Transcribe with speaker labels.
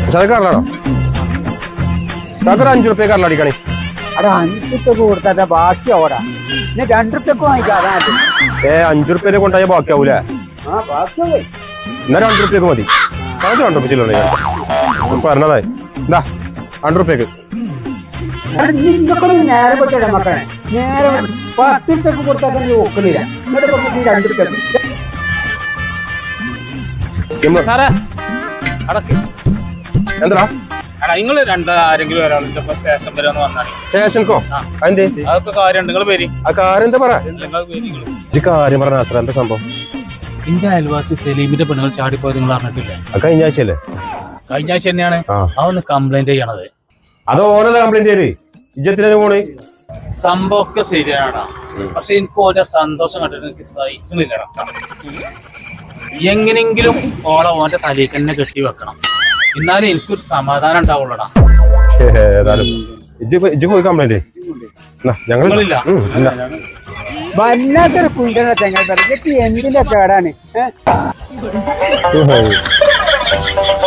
Speaker 1: കടലാണോ? ഒരു 5 റുപ്യ കടലടിക്കണേ.
Speaker 2: അവിടെ 5 റുപ്യ കൊടുത്താ ബാക്കി ഓടാ. 2 റുപ്യക്ക് വാങ്ങിക്കാതെ
Speaker 1: 5 റുപ്യ കൊണ്ടായ ബാക്കിയാവൂലേ?
Speaker 2: ബാക്കിയാവേ.
Speaker 1: എന്നാ 2 റുപ്യക്ക് മതി. സാധനം 2 റുപ്യ ചില്ലറ പറഞ്ഞതായി. എന്താ 2 റുപ്യക്ക്
Speaker 2: നേരെ പറ്റേ മക്കളെ. നേരെ 10 റുപ്യക്ക് കൊടുത്താൽ നീ ഒക്കണില്ല. എന്നിട്ട് 2 റുപ്യക്ക്
Speaker 1: എന്താ
Speaker 3: നിങ്ങള് ആരെങ്കിലും ഒരാളുടെ സ്റ്റേഷൻ വരെ ഒന്ന് വന്നാണ്.
Speaker 1: സ്റ്റേഷൻക്കോ?
Speaker 3: അതൊക്കെ കാര്യം നിങ്ങൾ പേര്
Speaker 1: ആ കാര്യം എന്താ പറ കാര്യം പറഞ്ഞ എന്താ സംഭവം?
Speaker 3: എന്റെ അയൽവാസി സലീമിന്റെ പെണ്ണുങ്ങൾ ചാടിപ്പോയത് നിങ്ങൾ അറിഞ്ഞിട്ടില്ലേ?
Speaker 1: കഴിഞ്ഞ ആഴ്ചയല്ലേ?
Speaker 3: കഴിഞ്ഞ ആഴ്ച തന്നെയാണ്. അതൊന്ന് കംപ്ലൈന്റ് ചെയ്യണത്.
Speaker 1: അത് ഓനല്ല കംപ്ലൈന്റ് ചെയ്യല്. ഇജ്ജത്തിനെ പോണേ
Speaker 3: സംഭവമൊക്കെ ശരിയാണാ. പക്ഷെ എനിക്ക് ഓരോ സന്തോഷം കണ്ടിട്ട് എനിക്ക് സഹിക്കുന്നില്ലടാ. എങ്ങനെങ്കിലും ഓളെ ഓന്റെ തലയിൽ തന്നെ കെട്ടി വെക്കണം. എന്നാലും എനിക്കൊരു സമാധാനം ഉണ്ടാവുള്ളടാ.
Speaker 1: പോയി കംപ്ലൈന്റ്
Speaker 3: ഞങ്ങളില്ല.
Speaker 2: വല്ലാത്തൊരു കുണ്ടന തെങ്ങൾ എന്തിന്റെ കേടാണ്.